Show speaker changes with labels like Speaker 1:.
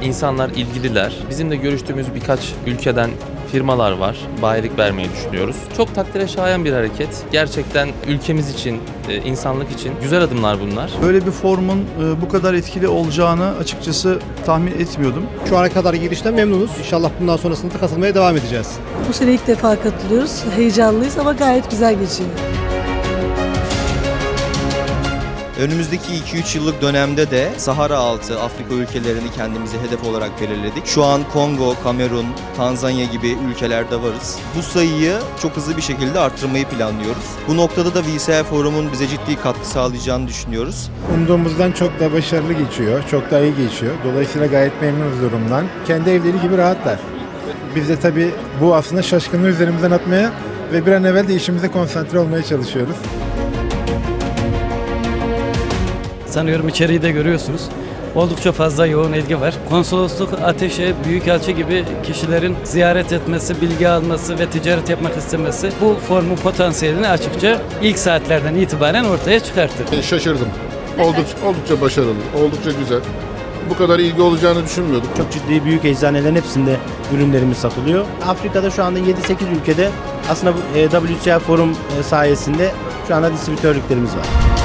Speaker 1: İnsanlar ilgililer. Bizim de görüştüğümüz birkaç ülkeden firmalar var. Bayilik vermeyi düşünüyoruz. Çok takdire şayan bir hareket. Gerçekten ülkemiz için, insanlık için güzel adımlar bunlar.
Speaker 2: Böyle bir forumun bu kadar etkili olacağını açıkçası tahmin etmiyordum.
Speaker 3: Şu ana kadar girişten memnunuz. İnşallah bundan sonrasında da katılmaya devam edeceğiz.
Speaker 4: Bu sene ilk defa katılıyoruz. Heyecanlıyız ama gayet güzel geçiyor.
Speaker 5: Önümüzdeki 2-3 yıllık dönemde de Sahara altı Afrika ülkelerini kendimize hedef olarak belirledik. Şu an Kongo, Kamerun, Tanzanya gibi ülkelerde varız. Bu sayıyı çok hızlı bir şekilde arttırmayı planlıyoruz. Bu noktada da VCI Forum'un bize ciddi katkı sağlayacağını düşünüyoruz.
Speaker 6: Umduğumuzdan çok da başarılı geçiyor, çok da iyi geçiyor. Dolayısıyla gayet memnunuz durumdan. Kendi evleri gibi rahatlar. Biz de tabii bu aslında şaşkınlığı üzerimizden atmaya ve bir an evvel de işimize konsantre olmaya çalışıyoruz.
Speaker 7: Sanıyorum içeriği de görüyorsunuz. Oldukça fazla yoğun ilgi var. Konsolosluk, ateşe, büyükelçi gibi kişilerin ziyaret etmesi, bilgi alması ve ticaret yapmak istemesi bu formun potansiyelini açıkça ilk saatlerden itibaren ortaya çıkarttı.
Speaker 8: Şaşırdım. Oldukça başarılı, oldukça güzel. Bu kadar ilgi olacağını düşünmüyorduk.
Speaker 9: Çok ciddi büyük eczanelerin hepsinde ürünlerimiz satılıyor. Afrika'da şu anda 7-8 ülkede aslında WCI Forum sayesinde şu anda distribütörlüklerimiz var.